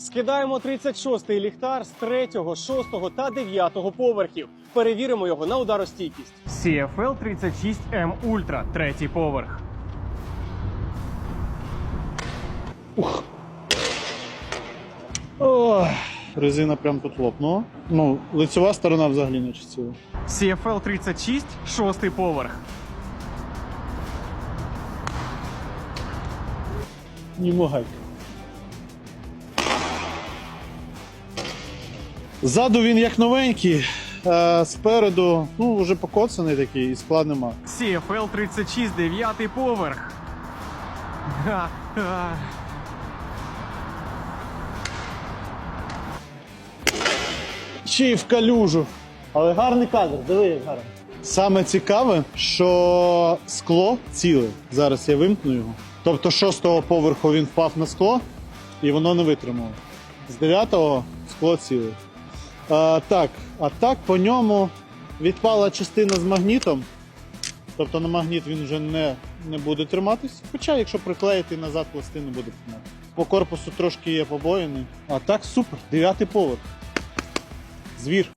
Скидаємо 36-й ліхтар з 3-го, 6-го та 9-го поверхів. Перевіримо його на ударостійкість. CFL 36M Ultra, 3-й поверх. Ох, резина прям тут лопнула. Ну, лицева сторона взагалі не чистила. CFL 36, 6-й поверх. Ні могайка. Ззаду він як новенький, а спереду, ну, вже покоцаний такий і скла нема. CFL 36, 9-й поверх. Ха-ха. Ще й в калюжу. Але гарний кадр, диви, як гарно. Саме цікаве, що скло ціле. Зараз я вимкну його. Тобто з 6-го поверху він впав на скло і воно не витримало. З 9-го скло ціле. А так по ньому відпала частина з магнітом. Тобто на магніт він вже не буде триматись. Хоча, якщо приклеїти назад, пластину буде тримати. По корпусу трошки є побоїни. А так супер, 9-й поверх. Звір.